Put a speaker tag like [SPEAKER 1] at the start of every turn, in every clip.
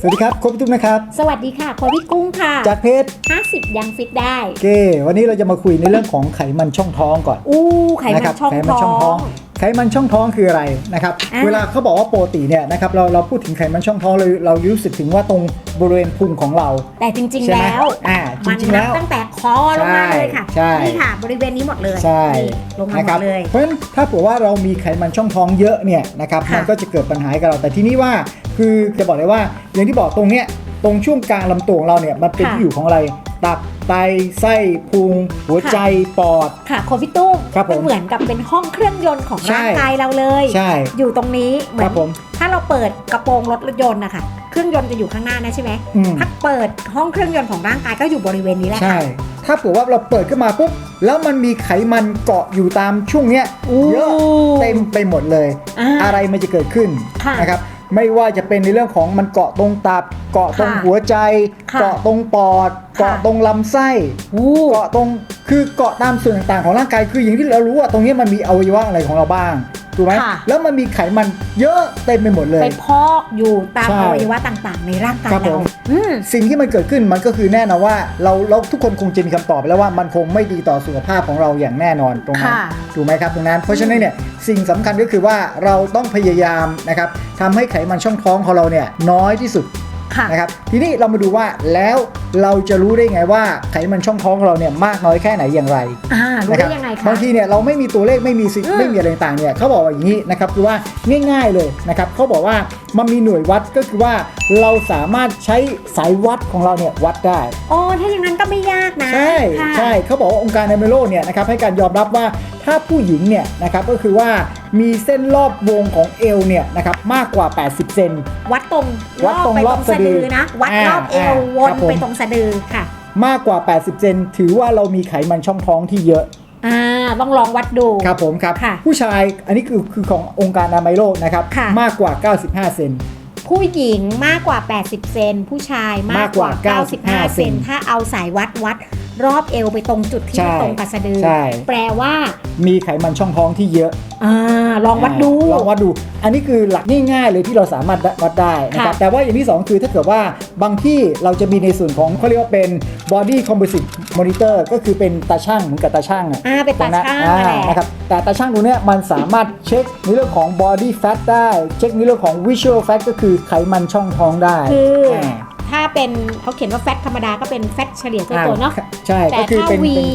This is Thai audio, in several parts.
[SPEAKER 1] สวัสดีครับโค้ชพี่ตุ้มนะครับ
[SPEAKER 2] สวัสดีค่ะโค้ชพี่กุ้งค่ะ
[SPEAKER 1] จากเพจ
[SPEAKER 2] 50ยังฟิตได้
[SPEAKER 1] โอเควันนี้เราจะมาคุยในเรื่องของไขมันช่องท้องก่อน
[SPEAKER 2] ไขมันช่องท้อง
[SPEAKER 1] ไขมันช่องท้องคืออะไรนะครับเวลาเขาบอกว่าปกติเนี่ยนะครับเราพูดถึงไขมันช่องท้องเรารู้สึกถึงว่าตรงบริเวณพุงของเรา
[SPEAKER 2] แต่จริงๆแล้ว
[SPEAKER 1] จริงๆแล้ว
[SPEAKER 2] ตั้งแต่คอลงมาเลยค่ะนี่ค่ะบริเวณนี้หมดเลย
[SPEAKER 1] ใช่
[SPEAKER 2] ลงมาหมดเลย
[SPEAKER 1] เพราะฉะนั้นถ้าเผื่อว่าเรามีไขมันช่องท้องเยอะเนี่ยนะครับมันก็จะเกิดปัญหากับเราแต่ที่นี้ว่าคือจะบอกเลยว่าอย่างที่บอกตรงเนี้ยตรงช่วงกลางลำตัวของเราเนี่ยมันเป็นที่อยู่ของอะไรตับไตไส้พุงหัวใจปอด
[SPEAKER 2] ค่ะโคฟิตุ้มเหมือนกับเป็นห้องเครื่องยนต์ของร่างกายเราเลยอยู่ตรงนี้เหมือนถ้าเราเปิดกระโปรงรถยนต์นะคะเครื่องยนต์จะอยู่ข้างหน้านะใช่ไหมถ้าเปิดห้องเครื่องยนต์ของร่างกายก็อยู่บริเวณนี้แหละ
[SPEAKER 1] ใช่ถ้าเผื่อว่าเราเปิดขึ้นมาปุ๊บแล้วมันมีไขมันเกาะอยู่ตามช่วงเนี้ยเยอะเต็มไปหมดเลยอะไรมันจะเกิดขึ้นนะครับไม่ว่าจะเป็นในเรื่องของมันเกาะตรงตับเกาะตรงหัวใจเกาะตรงปอดเกาะตรงลำไส้เกาะตรงคือเกาะตามส่วนต่างๆของร่างกายคืออย่างที่เรารู้ว่าตรงนี้มันมีอวัยวะอะไรของเราบ้างถูกไหมแล้วมันมีไขมันเยอะเต็มไปหมดเลย
[SPEAKER 2] ไปพอกอยู่ตามอวัยวะต่างๆในร่างกายเรา
[SPEAKER 1] สิ่งที่มันเกิดขึ้นมันก็คือแน่นอนว่าเราทุกคนคงจะมีคำตอบไปแล้วว่ามันคงไม่ดีต่อสุขภาพของเราอย่างแน่นอนตรงนั้นถูกไหมครับตรงนั้นเพราะฉะนั้นเนี่ยสิ่งสำคัญก็คือว่าเราต้องพยายามนะครับทำให้ไขมันช่องท้องของเราเนี่ยน้อยที่สุดนะครับทีนี้เรามาดูว่าแล้วเราจะรู้ได้ไงว่าไขมันช่องท้องของเราเนี่ยมากน้อยแค่ไหนอย่างไร
[SPEAKER 2] รู้ได้ยังไงคะ
[SPEAKER 1] บางทีเนี่ยเราไม่มีตัวเลขไม่มีอะไรต่างๆเนี่ยเขาบอกว่าอย่างนี้นะครับคือว่าง่ายๆเลยนะครับเขาบอกว่ามันมีหน่วยวัดก็คือว่าเราสามารถใช้สายวัดของเราเนี่ยวัดได้
[SPEAKER 2] ถ้าอย่างนั้นก็ไม่ยากนะ
[SPEAKER 1] ใช่เขาบอกว่าองค์การอนามัยโลกเนี่ยนะครับให้การยอมรับว่าถ้าผู้หญิงเนี่ยนะครับก็คือว่ามีเส้นรอบวงของเอวเนี่ยนะครับมากกว่า80เซน
[SPEAKER 2] วัดตรงรอบสะดือนะวัดรอบเอววนไปตรงสะดือค่ะ
[SPEAKER 1] มากกว่า80เซนถือว่าเรามีไขมันช่องท้องที่เยอะ
[SPEAKER 2] ต้องลองวัดดู
[SPEAKER 1] ครับผมครับผู้ชายอันนี้คือขององค์การอนามัยโลกนะครับมากกว่า95เซน
[SPEAKER 2] ผู้หญิงมากกว่า80เซนผู้ชายมากกว่า95เซนถ้าเอาสายวัดรอบเอวไปตรงจุดที่ตรงกับสะดือแปลว่า
[SPEAKER 1] มีไขมันช่องท้องที่เยอะ
[SPEAKER 2] ลองวัดดู
[SPEAKER 1] อันนี้คือหลักง่ายๆเลยที่เราสามารถวัดได้นะครับแต่ว่าอย่างที่2คือถ้าเกิดว่าบางที่เราจะมีในส่วนของเขาเรียกว่าเป็น body composite monitor ก็คือเป็นตาช่างเหมือนกับตาช่าง
[SPEAKER 2] เป็นตาช่าง
[SPEAKER 1] นะครับแต่ตาช่างตัวเนี้ยมันสามารถเช็คในเรื่องของ body fat ได้เช็คในเรื่องของ visual fat ก็คือไขมันช่องท้องได้
[SPEAKER 2] ถ้าเป็นเขาเขียนว่าแฟตธรรมดาก็เป็นแฟตเฉลี่ยตัวเนาะ
[SPEAKER 1] ใช่
[SPEAKER 2] แต่ถ้า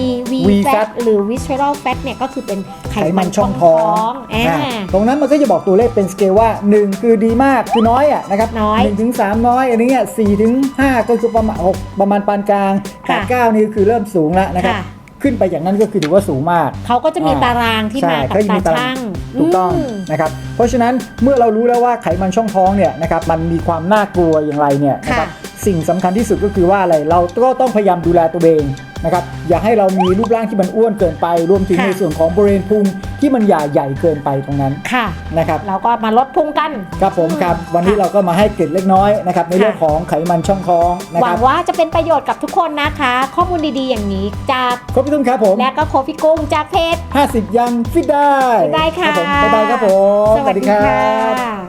[SPEAKER 2] V fat หรือ visceral fat เนี่ยก็คือเป็นไขมันช่องท้อง
[SPEAKER 1] ตรงนั้นมันก็จะบอกตัวเลขเป็นสเกลว่า1คือดีมากคือน้อยนะครับ1ถึง3น้อยอันนี้4ถึง5ก็คือประมาณ6ประมาณปานกลางแต่9นี่คือเริ่มสูงแล้วนะครับขึ้นไปอย่างนั้นก็คือถือว่าสูงมาก
[SPEAKER 2] เขาก็จะมีตารางที่มากับตาช่าง
[SPEAKER 1] ถูกต้องนะครับเพราะฉะนั้นเมื่อเรารู้แล้วว่าไขมันช่องท้องเนี่ยนะครับมันมีความน่ากลัวอย่างไรเนี่ยนะครับสิ่งสำคัญที่สุดก็คือว่าอะไรเราก็ต้องพยายามดูแลตัวเองนะครับอย่าให้เรามีรูปร่างที่มันอ้วนเกินไปรวมถึงในส่วนของบริเวณพุงที่มันใหญ่เกินไปตรงนั้นนะครับ
[SPEAKER 2] เราก็มาลดพุงกัน
[SPEAKER 1] ครับผมครับวันนี้เราก็มาให้เกร็ดเล็กน้อยนะครับในเรื่องของไขมันช่องท้อง
[SPEAKER 2] หวังว่าจะเป็นประโยชน์กับทุกคนนะคะข้อมูลดีๆอย่างนี้จาก
[SPEAKER 1] โค้ชพี่ตุ้มครับผม
[SPEAKER 2] และก็โค้ชพี่กุ้งจากเพจ
[SPEAKER 1] 50ยังฟิตได้
[SPEAKER 2] ค่ะ
[SPEAKER 1] บ๊ายบายครับผม
[SPEAKER 2] สวัสดีค่ะ